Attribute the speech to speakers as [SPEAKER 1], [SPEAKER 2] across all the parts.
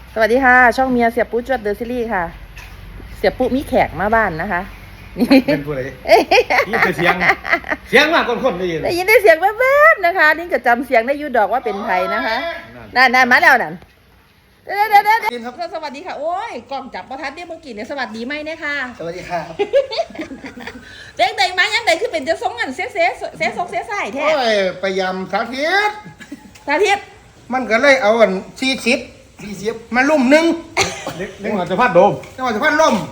[SPEAKER 1] สวัสดีค่ะช่องเมียเสียปุ๊จวดเดอะซีรีส์ค่ะเสียปุ๊มีแขกมาบ้านนะคะนี่
[SPEAKER 2] เป็นผู้ใดนี่เป็นเสียงมากคนได้ยิน
[SPEAKER 1] ได้ยินได้เสียงแวบๆนะคะนี่ก็จำเสียงได้ยูดอกว่าเป็นไทยนะคะนั่นมาแล้วนั่นเดี๋ยวสวัสดีค่ะโอ้ยกล้องจับประทัดเนี่ยเมื่อกี้เนี่ยสวัสดีไหมเนี่ยค่ะ
[SPEAKER 2] สวัสดีครับ
[SPEAKER 1] เด็กใดมายังใดคือเป็นจะสงกันเสียซกเสียใส่แท้
[SPEAKER 2] โอ้ยพยายามสาธิตมันก็เลยเอา40มาลุ่มนึงเล็กหน่อยจะพัดโดมจังหวัดจะพัดล่ม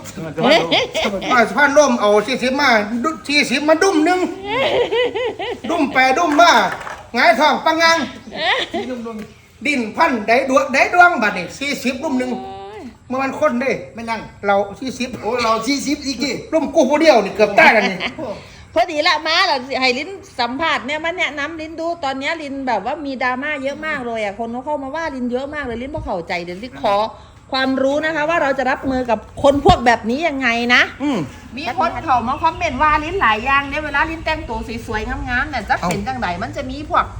[SPEAKER 2] เอา40มา40มาดุ่มนึงดุ่มไปดุ่มมาหงายท้องปังงังดินพันได้ดวงบัดนี่40ดุ่มนึงเมื่อมันคนเด้ไม่นั่งเรา40โอ้เรา40อีกกี่ดุ่มกูผู้เดียวนี่เกือบตายแล้วนี่
[SPEAKER 1] พอดีละมาล่ะให้ลิ้นสัมผัสเนี่ยมันแนะนำลิ้นดูตอนนี้ลิ้นแบบว่ามีดราม่าเยอะมากเลยอ่ะคนเขาเข้ามาว่าลิ้นเยอะมากเลยลิ้นพอเข้าใจเดี๋ยวลิ้นขอความรู้นะคะว่าเราจะรับมือกับคนพวกแบบนี้ยังไงนะมีคนเขามาคอมเมนต์ว่าลิ้นหลายอย่างเนี่ยเวลาลิ้นแต่งตัวสวยๆงามๆเนี่ยจะเป็นจังไดมันจะมีพวก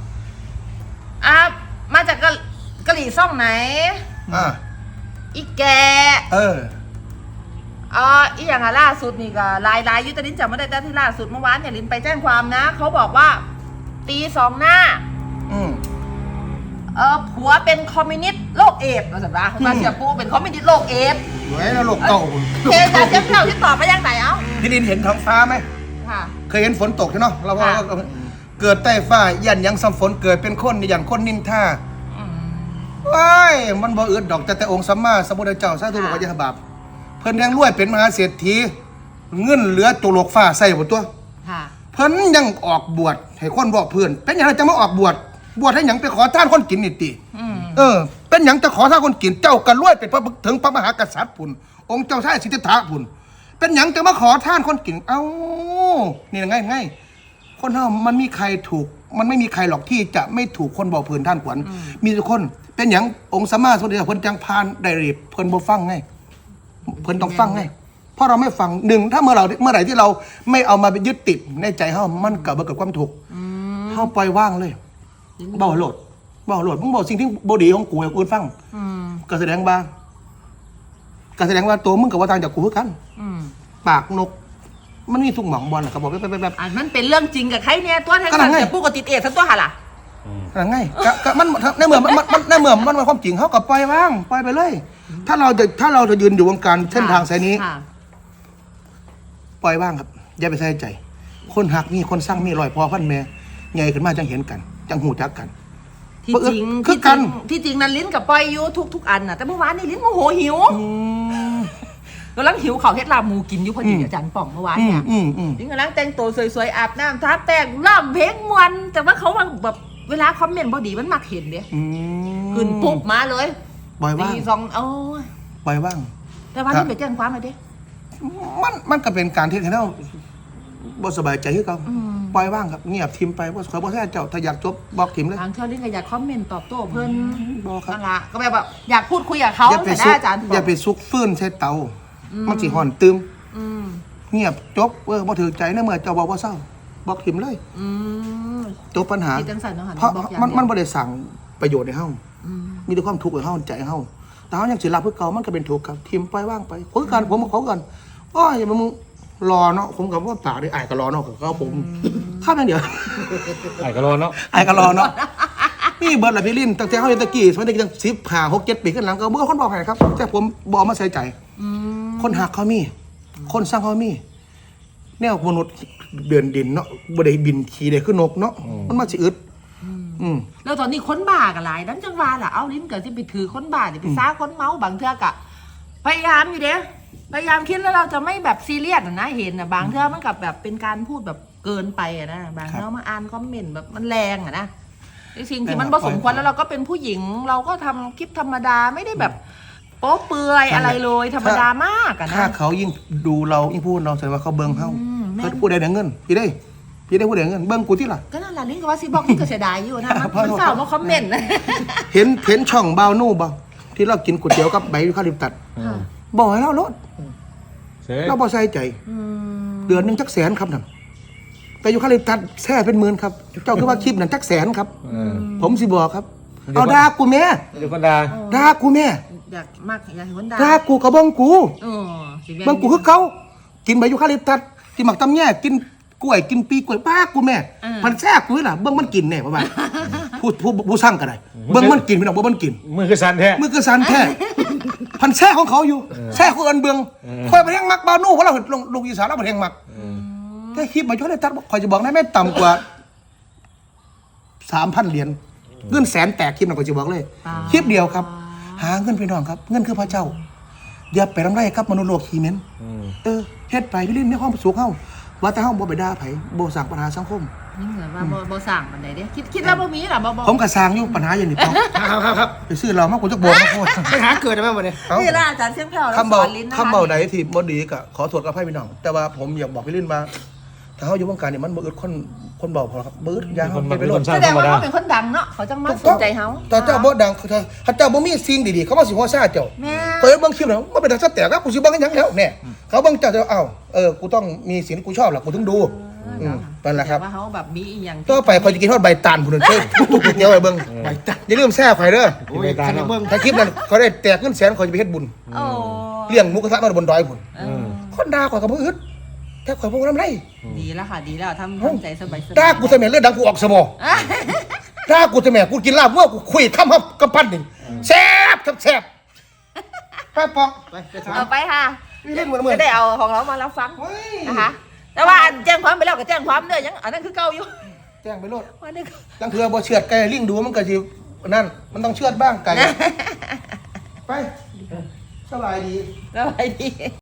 [SPEAKER 1] มาจากกะหรี่ซ่องไหนอีแกอีอย่างล่าสุดนี่ก็ลายยุติลินจำไม่ได้แต่ที่ล่าสุดเมื่อวานเนี่ยลินไปแจ้งความนะเขาบอกว่าตี2 หน้าผัวเป็นคอมมิวนิสต์โรคเอดส์มาสัปดาห์มาเสียปูเป็นคอมมิวนิสต์โรคเอดส์
[SPEAKER 2] ไว้แล้วโรคเก่า
[SPEAKER 1] เคยจะเจ้าที่ตอบไปยังไหน
[SPEAKER 2] พี่ดินเห็นท้องฟ้าไหม
[SPEAKER 1] ค่ะ
[SPEAKER 2] เคยเห็นฝนตกใช่เนาะเราว่าเกิดใต้ฟ้ายันยังซ้ำฝนเกิดเป็นคนอย่างคนนินท่าว้ายมันบ่อึดดอกแต่องค์สัมมาสัมพุทธเจ้าสาธุบอกว่าอย่าบาปเพิ่นยังรวยเป็นมหาเศรษฐีเงินเหลือโจโลกฟ้าใส่หมดตัวเพิ่นยังออกบวชให้คนบอกเพื่อนเป็นอย่างไรจะมาออกบวชให้หยังไปขอทานคนกินนี่ติเป็นหยังจะขอทานคนกินเจ้ากันรวยเป็นพระถึงพระมหากษัตริย์พุ่นองค์เจ้าชายสิทธัตถะพุ่นเป็นหยังจะมาขอทานคนกินเอ้านี่ง่ายคนเฮามันมีใครถูกมันไม่มีใครหรอกที่จะไม่ถูกคนบอกเพื่อนท่านขวัญมีทุกคนเป็นหยังองค์สัมมาสัมพุทธเจ้าเพิ่นจังพานได้รีบเพิ่นบ่ฟังไงเพิ่นต้องฟังไงเพราะเราไม่ฟังหนึ่งถ้าเมื่อไหร่ที่เราไม่เอามาไปยึดติดในใจเฮามันเกิดความถูกเฮาปล่อยว่างเลยเบาโหลดมึงบอกสิ่งที่บ่ดีของกูให้กูฟังก็แสดงว่าตัวมึงกับว่าทางจากกูคือกันปากนกมันมีสุกหมองบอลก็บอกแบบ
[SPEAKER 1] มันเป็นเรื่องจริงกับใครเนี่ยตัวแทนเสียปูกับติดเอดทั้งตัวหะล่ะ
[SPEAKER 2] ไงก็มันในเมื่อมันความจริงเฮาก็ปล่อยว่างปล่อยไปเลยถ้าเราจะยืนอยู่วงการเส้นทางสายนี้ปล่อยว่างครับอย่าไปใส่ใจคนหักมีคนสร้างมีรอยพอพันแม่ใหญ่ขึ้นมาจังเห็นกันจังหูจักกัน
[SPEAKER 1] ที่จริงนั้นลิ้นกับปล่อยอยู่ทุกอันน่ะแต่เมื่อวานนี่ลิ้นโมโหหิวกำลังหิวเขาเฮ็ดลาบหมูกินอยู่พอดีอาจารย์ป่องเมื่อวานเนี่ยลิ้นกำลังแต่งตัวสวยๆอาบน้ำทาแป้งร้องเพลงมวนแต่ว่าเขาแบบเวลาคอมเมนต์บอดีมันมักเห็นเด้ขึ้นปุ๊บมาเลย
[SPEAKER 2] ปล่อยว่างปล่อยว่าง
[SPEAKER 1] แต่ว่าที่ไปแจ้งความอะไรเด้
[SPEAKER 2] มันก็เป็นการที่เราบ่สบายใจที่เขาปล่อยว่างครับเงียบทิมไปว่าขอบอกให้เจ้าถ้าอยากจบบอกทิมเลย
[SPEAKER 1] ทางเธอลิ้นก็อยากคอมเมนต์ตอบโต้เพิ่นบอกครับก็แบบอยากพูดคุยกับเขาแต่ได้อาจารย์
[SPEAKER 2] อย่าไปซุกฟื้นใช้เตามันสิห่อนตึมเงียบจบบ่ถือใจนะเมื่อเจ้าบอกว่าเศร้าบอกทิมเลยจบปัญหาเพราะมันบ่ได้สั่งประโยชน์ในเฮามีแต่ความทุกข์ในเฮาใจเฮาแต่เฮายังสิรับเพื่อเก่ามันก็เป็นทุกข์ครับทิมปล่อยว่างไปคุยกันผมขอกันอ้อยอย่ามึงรอเนาะผมกับว่าปากได้ไอ้ก็รอเนาะก็ผมข้ามนั่นเดี๋ยว
[SPEAKER 3] ไอ้ก็รอเนาะ
[SPEAKER 2] นี่เบิร์ดละพี่ลินตั้งแต่เขาตะกี้สมัยเด็กยัง10-6-7 ปีขึ้นหลังก็เมื่อคนบอกให้ครับแต่ผมบอกมาใส่ใจคนหักเขามีคนสร้างเขามีแนวมนุษย์เดือนดินเนาะบ่ได้บินขี่ได้ขึ้นนกเนาะมันมาสิอึด
[SPEAKER 1] แล้วตอนนี้คนบ้ากันหลายนั้นจังว่าล่ะเอาลิ้นเกิดที่ไปถือคนบ้าไปซ่าคนเมาบางเทื่อกะพยายามอยู่เด้พยายามคิดแล้วเราจะไม่แบบซีเรียสนะเห็นนะบางเทื่อมันกับแบบเป็นการพูดแบบเกินไปนะบางเทื่อมาอ่านคอมเมนต์แบบมันแรงนะสิ่งที่มันผสมควรแล้วเราก็เป็นผู้หญิงเราก็ทำคลิปธรรมดาไม่ได้แบบโป๊เปื่อยอะไรเลยธรรมดามากนะ
[SPEAKER 2] ถ้าเขายิ่งดูเรายิ่งพูดเราแสดงว่าเขาเบิ่งเขาพูดได้เงินพี่ได้พูดได้เงินเบิ่งกูที่ล่ะ
[SPEAKER 1] ก็นั่นแหละลิ้นก็ว่าซีบอกที่ก็เสียดายอยู่นะมันเศร้ามาคอมเมนต์
[SPEAKER 2] เห็นช่องบ่าวนู่บ่ที่เรากินก๋วยเตี๋ยวกับใบข้าวริมตัดบอกให้เราลดเราบ่ใส่ใจเดือนนึงจัก100,000ครับนั่นแต่อยู่ข้าวริมตัดแซ่เป็น10,000ครับเจ้าคือว่าคลิปนั้นจัก100,000ครับผมสิบอกครับเอาด่ากูแม่
[SPEAKER 3] เดี๋ยวคนด่า
[SPEAKER 2] กูแม่
[SPEAKER 1] อยากมากอยากเห็นคนด่า
[SPEAKER 2] ถ้ากูกับบังกู
[SPEAKER 1] เออสิแม่น
[SPEAKER 2] บังกูคือเขากินใบยูคาลิปตัสกินหมักตำแย่กินกล้วยกินปีกล้วยป้ากูแม่มันแซ่บกูนี่ล่ะเบิ่งมันกินแน่ประมาณผู้สร้างก็ได้เบิ่งมันกินพี่น้องเบิ่งมันกิน
[SPEAKER 3] มือคือสันแท้
[SPEAKER 2] มือคือสันแท้พันแซ่ของเขาอยู่แซ่ของเอินเบืองคอยไปแห้งมักบานู่เพราะเราลงอีสานเราไปแห้งมักแค่คลิปใบยูคาลิปตัสคอยจะบอกได้ไม่ต่ำกว่า 3,000 เหรียญเงินแสนแตกคลิปน่ะก็จะบอกเลยคลิปเดียวครับ หาเงินพี่น้องครับ เงินคือพระเจ้าอย่าไปรำไรครับมนุษย์โลกขี้เหม็นเฮ็ดไปพี่ลิ้นในห้องสุขเฮาว่าแต่เฮาบ่ไปด่าไผบ่สร้างปัญหาสังคม
[SPEAKER 1] นี่เหมือนว่าบ่สั่งมันได้เด้คิดว่าบ่มีล่ะบ่
[SPEAKER 2] ผมก็สร้างอยู่ปัญหาอย่างนี้ต้อง
[SPEAKER 3] ครับ
[SPEAKER 2] ไปซื้อเรามากกว่าจักโบกมาโคตร
[SPEAKER 3] ปัญหาเกิดได้ไหมวันนี้
[SPEAKER 1] นี่ล่ะอาจารย์เสียงแผ่วแล้ว
[SPEAKER 2] คำ
[SPEAKER 1] ส
[SPEAKER 2] เบา
[SPEAKER 1] อนลิ้นนะคะ
[SPEAKER 2] คำเบาใดที่บ่ดีก็ขอโทษกับพี่น้องแต่ว่าผมอยากบอกพี่ลิ้นว่าถ้าเฮาอยู่วงการนี่มันบ่อึดคนเบาพอครับบ่อึดยาเฮาไปโลด
[SPEAKER 3] สร้าง
[SPEAKER 1] แสด
[SPEAKER 3] ธรง รม
[SPEAKER 1] ว่า
[SPEAKER 3] ดา
[SPEAKER 1] เขาเป็นคนดังเนาะเขาจังมาสนใจเฮา
[SPEAKER 2] แต่เจ้าบ่ดังถ้าเจ้าบ่มีสิ่งดีๆเขามาสิหัวซ่าเจ้า
[SPEAKER 1] แม่
[SPEAKER 2] เปิดเบิ่งคลิปแล้วมันเป็นทางสแตกครับกูสิเบิ่งกันหยังแล้วเนี่ยเขาเบิ่งเจ้าจะกูต้องมีสิ่งที่กูชอบล่ะกูถึงดูนั่นแหละครับ
[SPEAKER 1] ว่าเขาแบบมีอีหยัง
[SPEAKER 2] ต่อไปคอยจะกินทอดใบตาลพุ่นเด้อทุกๆเดียวไปเบิ่งใบตาลอย่าลืมแซ่ข่อยเด้อ
[SPEAKER 3] โอ้ยคันเบิ่ง
[SPEAKER 2] ถ้าคลิปนั้นเขาได้แตกเงินแสนข่อยจะไปเฮ็ดบุญ
[SPEAKER 1] โอ้
[SPEAKER 2] เลี้ยงหมูกระทะมาบนดอยพุ่น
[SPEAKER 1] เออ
[SPEAKER 2] คนด่าข่อยก็บ่อึดแต่ข่อยบ่ทำไร
[SPEAKER 1] ดีแล้วค่ะดีแล้วทำใจสบายๆ
[SPEAKER 2] ด่ากูใส่แม่เลือดดังกูออกสมองด่ากูใส่แม่กูกินลาบวัวกูคุยคำครับกำปั้นหนึ่งแซ่บครับแซ่บไปปอกไปถาม
[SPEAKER 1] เอาไปค่ะ
[SPEAKER 2] นี่เล่นเหมือน
[SPEAKER 1] จะได้เอาของเรามารับฟัง
[SPEAKER 2] เฮ้ย
[SPEAKER 1] นะคะ แต่ว่าแจ้งความไปแล้วก็แจ้งความเด้อยังอันนั้นคือเก่าอยู่
[SPEAKER 2] แจ้งไปโลด
[SPEAKER 1] ว่านี่ก็
[SPEAKER 2] ลังเทือบ่เชือดไก่ลิงดูมันก็สินั่นมันต้องเชือดบ้างไก่ไปสบายดี
[SPEAKER 1] สบายดี